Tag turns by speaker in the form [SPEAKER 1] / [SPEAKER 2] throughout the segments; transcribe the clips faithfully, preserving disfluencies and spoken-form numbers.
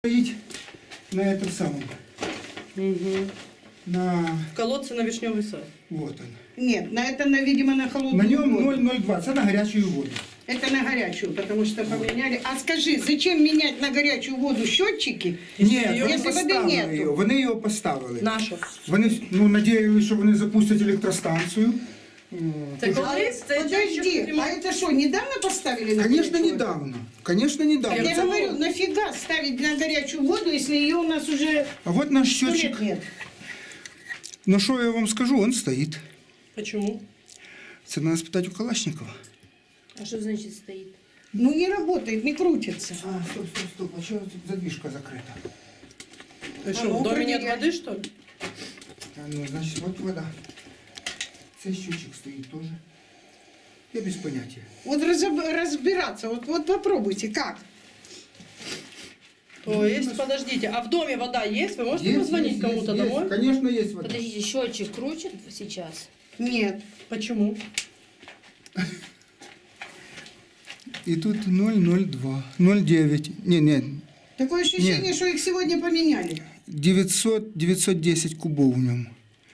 [SPEAKER 1] стоить на этом самом,
[SPEAKER 2] Угу.
[SPEAKER 1] на,
[SPEAKER 2] В колодце на Вишневый сад.
[SPEAKER 1] вот он.
[SPEAKER 3] Нет, на это, на, видимо, на холодную
[SPEAKER 1] На нем
[SPEAKER 3] воду.
[SPEAKER 1] ноль ноль два, це на горячую воду.
[SPEAKER 3] Это на горячую, потому что поменяли. А скажи, зачем менять на горячую воду счетчики?
[SPEAKER 1] Ні,
[SPEAKER 2] Якщо
[SPEAKER 1] вони
[SPEAKER 3] води
[SPEAKER 1] поставили
[SPEAKER 3] нету.
[SPEAKER 1] його, вони його поставили.
[SPEAKER 2] Нашу.
[SPEAKER 1] Вони, ну, надіялися, що вони запустять електростанцію.
[SPEAKER 2] Це колись це
[SPEAKER 3] Подожди, а это что, недавно поставили на
[SPEAKER 1] Конечно,
[SPEAKER 3] горячую воду?
[SPEAKER 1] недавно. Конечно, недавно.
[SPEAKER 3] Я
[SPEAKER 1] Це-
[SPEAKER 3] говорю, нафига ставить на горячую воду, если ее у нас уже
[SPEAKER 1] А вот наш
[SPEAKER 3] сто
[SPEAKER 1] счетчик.
[SPEAKER 3] лет нет?
[SPEAKER 1] Ну що я вам скажу, он стоит.
[SPEAKER 2] Почему?
[SPEAKER 1] Це надо спитати у Калашникова.
[SPEAKER 4] А что значит стоит?
[SPEAKER 3] Ну не работает, не крутится.
[SPEAKER 1] А, стоп, стоп, стоп, а чого тут задвижка закрита?
[SPEAKER 2] Ты
[SPEAKER 3] А
[SPEAKER 2] что,
[SPEAKER 3] ну,
[SPEAKER 2] в доме нет
[SPEAKER 3] проверяй.
[SPEAKER 2] воды, что ли?
[SPEAKER 1] А, ну, значит, вот вода. Цей счетчик стоит тоже. Я без понятия.
[SPEAKER 3] Вот разоб- разбираться, вот, вот попробуйте, как?
[SPEAKER 2] То есть, подождите, а в доме вода есть? Вы можете
[SPEAKER 1] Есть,
[SPEAKER 2] позвонить
[SPEAKER 1] есть,
[SPEAKER 2] кому-то
[SPEAKER 1] есть,
[SPEAKER 2] домой?
[SPEAKER 1] есть. Конечно, есть вода.
[SPEAKER 4] Подождите, счетчик крутит сейчас?
[SPEAKER 3] Нет.
[SPEAKER 2] Почему?
[SPEAKER 1] И тут ноль ноль два, ноль девять. Не, не,
[SPEAKER 3] Такое ощущение,
[SPEAKER 1] Нет.
[SPEAKER 3] что их сегодня поменяли.
[SPEAKER 1] девятьсот, девятьсот десять кубов в нем.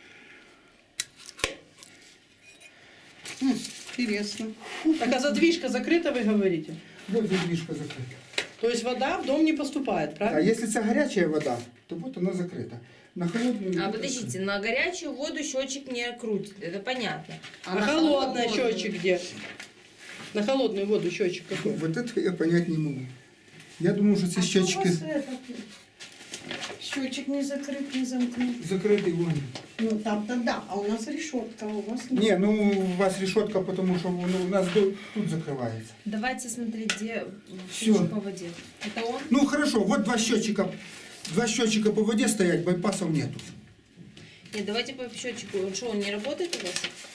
[SPEAKER 3] М, Интересно.
[SPEAKER 2] Так а задвижка закрыта, вы говорите?
[SPEAKER 1] Вот задвижка закрыта.
[SPEAKER 2] То есть вода в дом не поступает,
[SPEAKER 1] А
[SPEAKER 2] правильно?
[SPEAKER 1] если это горячая вода, то вот она закрыта. На холодную...
[SPEAKER 4] А подождите, на горячую воду счетчик не крутит, это понятно.
[SPEAKER 2] А,
[SPEAKER 3] на
[SPEAKER 2] холодная
[SPEAKER 3] холодную?
[SPEAKER 2] счетчик где? На холодную воду счетчик какой?
[SPEAKER 1] Вот это я понять не могу. Я думаю, что
[SPEAKER 3] А
[SPEAKER 1] это счетчики
[SPEAKER 3] Счетчик не закрыт, не замкнут.
[SPEAKER 1] закрыты вон.
[SPEAKER 3] Ну там-то да, а у нас решетка, а у вас нет.
[SPEAKER 1] Не, ну у вас решетка, потому что ну, у нас до- тут закрывается.
[SPEAKER 4] Давайте смотреть, где
[SPEAKER 1] Всё.
[SPEAKER 4] счетчик по воде. Это он?
[SPEAKER 1] Ну хорошо, вот два счетчика, два счетчика по воде стоять, байпасов нету.
[SPEAKER 4] Нет, давайте по счетчику. Он что, он не работает у вас?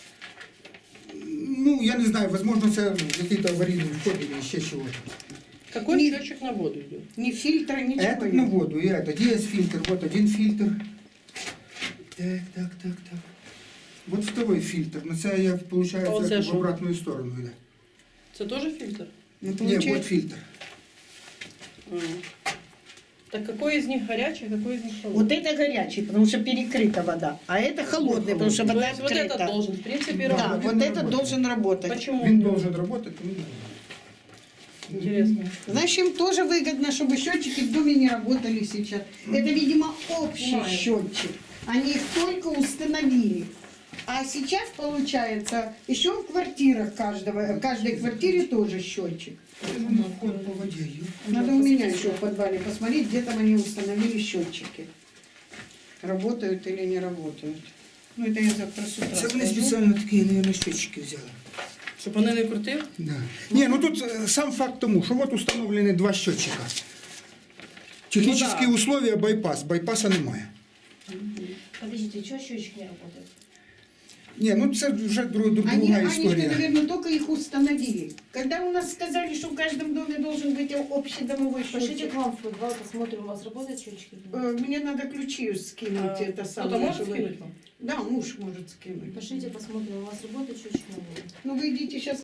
[SPEAKER 1] Ну, я не знаю, возможно, это какие-то аварийные входы или еще чего-то.
[SPEAKER 2] Какой
[SPEAKER 3] Не-
[SPEAKER 2] счетчик на воду идет?
[SPEAKER 3] Ни фильтра, ничего
[SPEAKER 1] Этот
[SPEAKER 3] нет.
[SPEAKER 1] на воду, и этот. Есть фильтр, вот один фильтр. Так, так, так, так. Вот второй фильтр. Но это я,
[SPEAKER 2] А вот
[SPEAKER 1] получается,
[SPEAKER 2] это
[SPEAKER 1] в
[SPEAKER 2] что?
[SPEAKER 1] обратную сторону. Да.
[SPEAKER 2] Это тоже фильтр?
[SPEAKER 3] Ну,
[SPEAKER 1] Нет,
[SPEAKER 3] получается,
[SPEAKER 1] вот фильтр.
[SPEAKER 2] А. Так какой из них горячий, а какой из них холодный?
[SPEAKER 3] вот это горячий, потому что перекрыта вода, а это холодный, потому что
[SPEAKER 2] То
[SPEAKER 3] вода
[SPEAKER 2] есть вот
[SPEAKER 3] открыта.
[SPEAKER 2] этот должен, в принципе,
[SPEAKER 3] Да,
[SPEAKER 2] работать.
[SPEAKER 3] вот
[SPEAKER 1] он
[SPEAKER 3] этот
[SPEAKER 1] работает.
[SPEAKER 3] должен работать.
[SPEAKER 2] Почему?
[SPEAKER 1] Он должен работать. ну,
[SPEAKER 2] Интересно.
[SPEAKER 3] Значит, им тоже выгодно, чтобы счетчики в доме не работали сейчас. Это, видимо, общий
[SPEAKER 2] Понимаю.
[SPEAKER 3] счетчик. Они их только установили. А сейчас, получается, еще в квартирах каждого, в каждой квартире тоже счетчик.
[SPEAKER 1] Ну, вход по воде. ё.
[SPEAKER 3] Надо у меня еще в подвале посмотреть, где там они установили счетчики. Работают или не работают. Ну, это я завтра с утра
[SPEAKER 1] Це вони
[SPEAKER 3] скажу.
[SPEAKER 1] спеціально такі, наверное, счетчики взяли.
[SPEAKER 2] Щоб вони не крутили?
[SPEAKER 1] Да. Не, ну тут э, сам факт тому, что вот установлены два счетчика. Технические
[SPEAKER 2] Ну да.
[SPEAKER 1] условия байпас, байпаса немає.
[SPEAKER 4] Подождите, что счетчик не работает?
[SPEAKER 1] Не, ну це вже друг, друг,
[SPEAKER 3] Они,
[SPEAKER 1] друга
[SPEAKER 3] они же,
[SPEAKER 1] історія.
[SPEAKER 3] наверное, только их установили. Когда у нас сказали, что в каждом доме должен быть общий домовой
[SPEAKER 4] Пошлите
[SPEAKER 3] счетчик,
[SPEAKER 4] к вам в подвал, посмотрим, у вас работает счетчик?
[SPEAKER 3] э, мне надо ключи скинуть.
[SPEAKER 2] А,
[SPEAKER 3] это
[SPEAKER 2] Кто-то
[SPEAKER 3] самое,
[SPEAKER 2] может
[SPEAKER 3] чтобы-
[SPEAKER 2] скинуть вам?
[SPEAKER 3] Да, муж может скинуть.
[SPEAKER 4] Пошлите, посмотрим, у вас работает счетчик на воду?
[SPEAKER 3] Ну, вы идите сейчас